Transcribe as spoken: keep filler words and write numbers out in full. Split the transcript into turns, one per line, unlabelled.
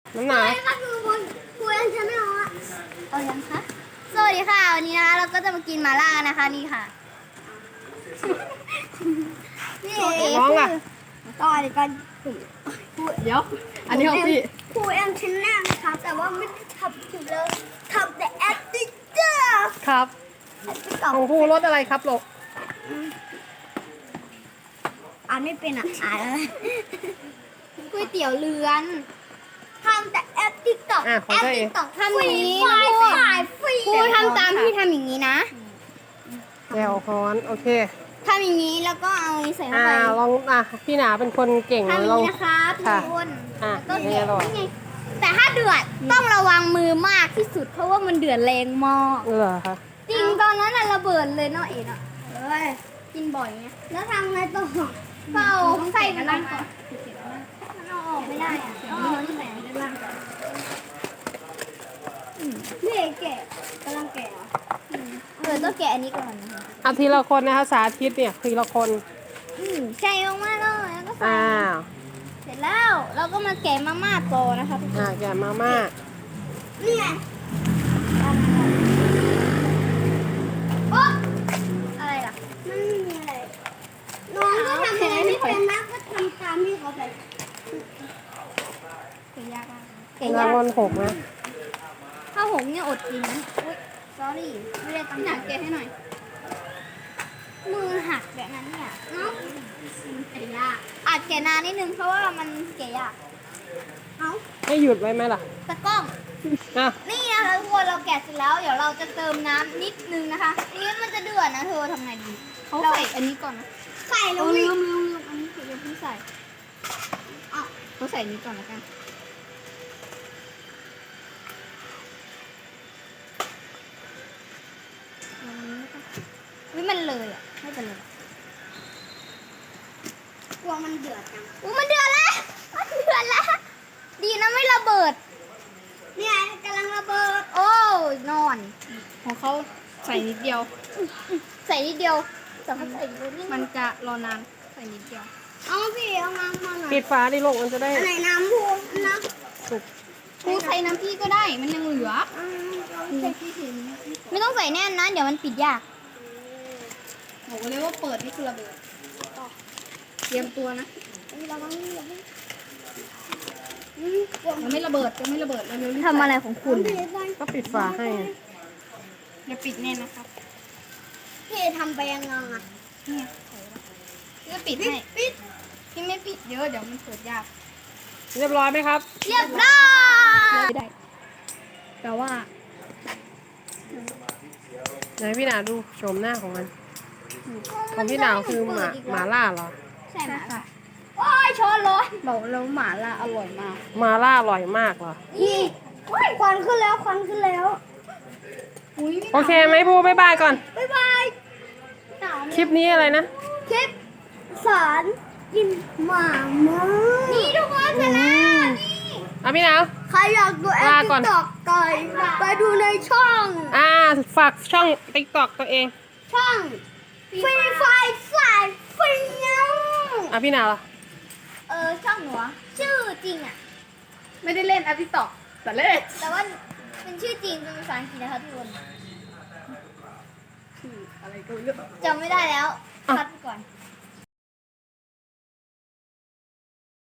น้ำหนา
สวัสดีค่ะทุกคนคุยกันใช่ไหมคะเอายังคะสวัสดีค่ะวันนี้นะคะเราก็จะมากินหม่าล่านะคะนี่ค่ะนี่เอ๋
น้องอ่ะ
ต่อยกัน
เดี๋ยวอันนี้ของพี่
คุยกันชิ้นแรกนะคะแต่ว่าไม่ได้ทำถึงเลยทำแต่แอดดิเจอร์
ครับของผู้รสอะไรครับลูก
อ่านไม่เป็นอ่ะอ่านอะไรก๋วยเตี๋ยวเรือนทำแต่แอปติ๊กต็อก
อ่ะของ
แอป
ตัวเอ
ติ๊
ง
กต็อกทำอย่างนี้นะพูดพูดทำตามที่ทำอย่างนี้นะ
แจ่วฮ้อนโอเค
ทำอย่างนี้แล้วก็เอาใส่เข้า
อ่า
ไป
ลองอ่ะพี่หนาเป็นคนเก่ง
ทำอย่าง
ลอง
นี้นะคะทุก
ค่ะ
คน
อ่ะ
แล้วก็
นี่
เดือ
อร่อย
นี่ไงแต่ถ้าเดือดต้องระวังมือมากที่สุดเพราะว่ามันเดือดแรงมาก
เหรอคะ
จริงตอนนั้นน่ะระเบิดเลยเนาะเอ็นอ่ะเอ้ยกินบ่อยไงแล้วทำไงต่อก็เอาใส่ไปนั่นก่อนมันเอาออกไม่ได้อ่ะเอาเอาที่ไหนด้านล่างก่อนนี่แกะกำลังแกะเหรอเออต้องแกะอันนี้ก่อนนะคะ
เอาทีละคนนะคะสาธิตเนี่ยทีละคน
อืมใส่ลงมาเลยแล้วก็ใส่
อ้าว
เสร็จแล้วเราก็มาแกะมาม่าต่อนะคะทุกค
อ่าน แกะมาม่า
นี่ไงโอ๊ะอะไรล่ะมันไม่มีอะไรน้องก็ทำอะไรไม่เป็นนะก็ทำตามที่เขาไปเก่ยากมากเก่
ราย
าง ก
วัลหกนะ
ข้าวหงเนี่ยอดกินนะอุ้ย sorry ไม่ได้ตั้งใจแกะให้หน่อย มือหักแบบนั้นเนี่ยเนาะมันแกะยากอาจแกะนานนิดนึงเพราะว่ามันแกะยากเอ้า
ให้หยุดไว้ไหมล่ะ
ตะกล้อง
อ่ะ
นี่นะคะทุกคนเราแกะเสร็จแล้วเดี๋ยวเราจะเติมน้ำนิดนึงนะคะนี่มันจะเดือดนะเธอทำไงดีเขาใส่อันนี้ก่อนนะใส่แล้วลืมลืมลืมอันนี้คือยังเพิ่งใส่อ่ะเขาใส่นี้ก่อนแล้วกันวิมันเลยอ่ะไม่เป็นไรกลัวมันเดือดจังอู้มันเดือดแล้วมันเดือดแล้วดีนะไม่ระเบิดเนี่ยกำลังระเบิดโอ้นอน
ของเขาใส่นิดเดียว
ใส่นิดเดียวแต่เขาใส่เยอะนิด
มันจะรอนานใส่นิดเดียว
เอาพี่เอาน้ำมาหน่อย
ปิดฝาดิลูกมันจะได้
อันไหนน้ำพูนนะ
สุก
กูใส่น้ำพี่ก็ได้ มันยังเหลือ
อืมใส่ที่ถึงไม่ต้องใส่แน่นนะเดี๋ยวมันปิดยาก
บอกเลยว่าเปิดนี่คือระเบิดเตรียมตัวนะ
เราต้องรีบ
ยังไม่ระเบิดยังไม่ระเบิดเร็วๆรีบ
ทำอะไรของคุณ
ก็ปิดฝาให้
อย่าปิดแน่นนะครับ
พี่ทำไปยังไงอ่ะ
เนี่ยใส่แล้วพี่ก็ปิดให้ปิดพี่ไม่ปิดเยอะเดี๋ยวมันเปิดยาก
เรียบร้อยไหมครับ
เรียบร้อย
ไม่ได้ แต่ว่า
ไหนพี่หนาดูโฉมหน้าของมันของพี่หนาวคือหมาหมาล่าเหรอ
ใช่ไหมค่ะโอ้ยช้อนร้อน
บอกแล้วหมาล่าอร่อยมาก
หมาล่าอร่อยมากเหรอ
นี่โอ้ยควันขึ้นแล้วควันขึ้นแล้ว
อุ้ย
โอเคไหมพูบ๊ายบายก่อน
บ๊ายบาย
คลิปนี้อะไรนะ
คลิปสอนกินหมาม้านี่ทุกคนชนะนี่
อ่ะพี่หนาว
ใครอยากดูแอป
ลา
ติ๊
ก่อน
กต็อกไก่ไปดูในช่อง
อ่าฝากช่องติ๊กต็อกตัวเอง
ช่องฟรีไฟสายฟรีเงา
อ่ะพี่หนาวล่ะ
เออช่องหนูอะชื่อจริงอ่ะ
ไม่ได้เล่นแอปติ๊กต็อกแต่เล่น
แต่ว่าเป็นชื่อจริงเป็นภาษาอังกฤษนะคะทุกคน
อะไรก็ไม่รู้
จำไม่ได้แล้วคัดไปก่อน